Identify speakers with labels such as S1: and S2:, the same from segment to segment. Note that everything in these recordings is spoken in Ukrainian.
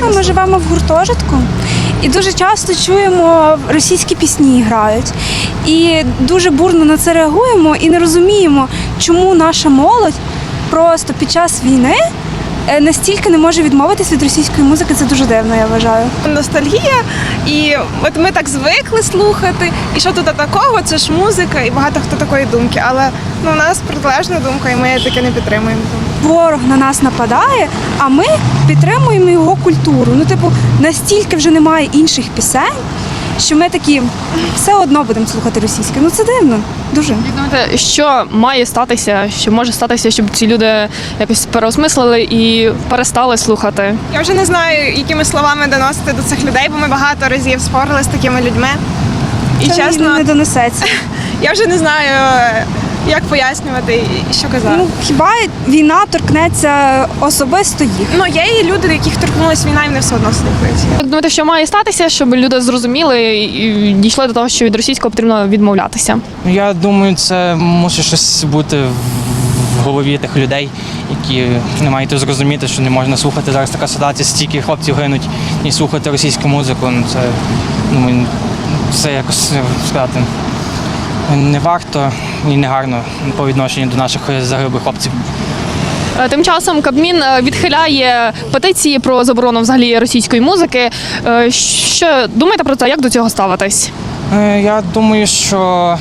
S1: часто ми живемо в гуртожитку і дуже часто чуємо російські пісні грають. І дуже бурно на це реагуємо і не розуміємо, чому наша молодь просто під час війни настільки не може відмовитись від російської музики. Це дуже дивно, я вважаю.
S2: Ностальгія, і от ми так звикли слухати, і що тут такого, це ж музика, і багато хто такої думки, але у нас протилежна думка, і ми таке не підтримуємо.
S1: Ворог на нас нападає, а ми підтримуємо його культуру. Настільки вже немає інших пісень, що ми такі все одно будемо слухати російське. Це дивно, дуже.
S3: Як думаєте, що має статися, що може статися, щоб ці люди якось переосмислили і перестали слухати?
S2: Я вже не знаю, якими словами доносити до цих людей, бо ми багато разів спорили з такими людьми. І
S1: Це
S2: чесно,
S1: не донесеться.
S2: я вже не знаю, як пояснювати і що казати.
S1: Хіба війна торкнеться особисто їх?
S2: Є і люди, яких торкнулася війна, і вони все одно слухають.
S3: Як думаєте, що має статися, щоб люди зрозуміли і дійшли до того, що від російського потрібно відмовлятися?
S4: Я думаю, це мусить щось бути в голові тих людей, які не мають зрозуміти, що не можна слухати. Зараз така ситуація, стільки хлопців гинуть і слухати російську музику. Це, думаю, це якось сказати не варто і не гарно по відношенню до наших загиблих хлопців.
S3: Тим часом Кабмін відхиляє петиції про заборону взагалі російської музики. Що думаєте про це? Як до цього ставитись?
S4: Я думаю, що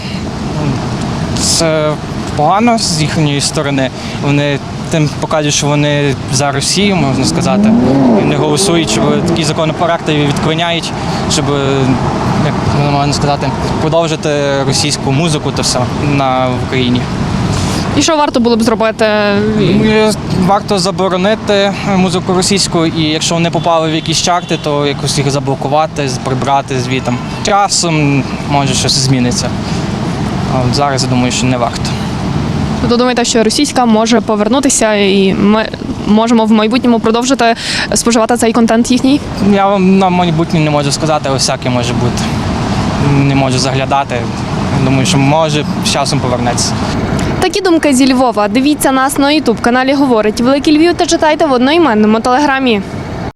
S4: це погано з їхньої сторони. Вони тим показують, що вони за Росію, можна сказати. І вони голосують, щоб такі законопроекти відклоняють, щоб, як можна сказати, продовжити російську музику та все в Україні.
S3: І що варто було б зробити?
S4: Варто заборонити музику російську, і якщо вони попали в якісь чарти, то якось їх заблокувати, прибрати звітом. Часом може щось зміниться. А от зараз я думаю, що не варто.
S3: Тобто думаєте, що російська може повернутися і ми можемо в майбутньому продовжити споживати цей контент їхній?
S4: Я вам на майбутнє не можу сказати, але всяке може бути. Не можу заглядати. Думаю, що може з часом повернеться.
S3: Такі думки зі Львова. Дивіться нас на YouTube-каналі «Говорить Великий Львів» та читайте в одноіменному телеграмі.